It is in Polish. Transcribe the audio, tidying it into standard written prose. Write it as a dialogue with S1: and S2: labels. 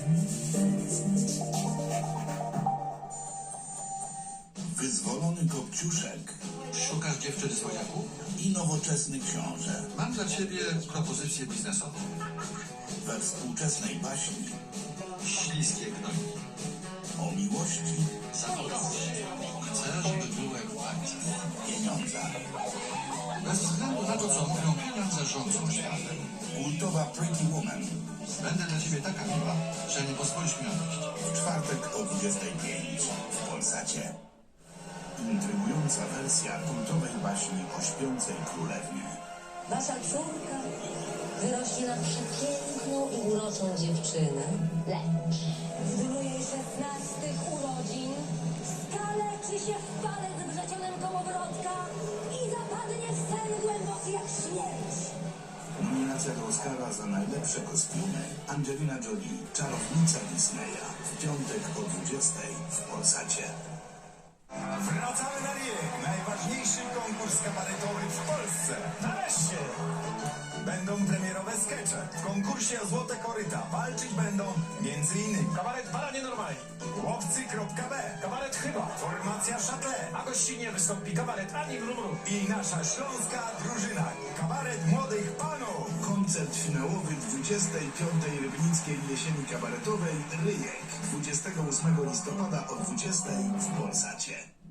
S1: Wyzwolony kopciuszek
S2: Szukasz dziewczyny słodziaku?
S1: i nowoczesny książę.
S2: Mam dla ciebie propozycję biznesową.
S1: We współczesnej baśni
S2: Śliskie gnojki.
S1: o miłości,
S2: Zawodowość. Chcę, żeby było jak w bajce.
S1: pieniądzach.
S2: Bez względu na to, co mówią, pieniądze rządzą światem.
S1: Kultowa Pretty Woman
S2: Będę dla ciebie taka miła, że nie pozwolisz mi odejść.
S1: w czwartek o 25 w Polsacie. Intrygująca wersja kultowej baśni o śpiącej królewnie.
S3: Wasza córka wyrośnie na przepiękną i uroczą dziewczynę, lecz w dniu jej 16 urodzin skaleczy się w palec wrzecionem kołowrotka i zapadnie w sen głęboki jak śmierć.
S1: Nominacja do Oscara za najlepsze kostiumy Angelina Jolie, czarownica Disneya w piątek o 20 w Polsacie.
S4: Wracamy na Riek, najważniejszy konkurs kabaretowy w Polsce. Nareszcie! Będą premierowe skecze. W konkursie o Złote Koryta walczyć będą m.in.
S5: Kabaret Para Nienormalni,
S4: Łowcy.b,
S5: kabaret Chyba,
S4: Formacja Szatle
S5: a gościnnie wystąpi kabaret Ani Mrumru.
S4: i nasza śląska drużyna. Kabaret Młodych Panów.
S1: Koncert finałowy 25. Rybnickiej Jesieni Kabaretowej Ryjek 28 listopada o 20 w Polsacie.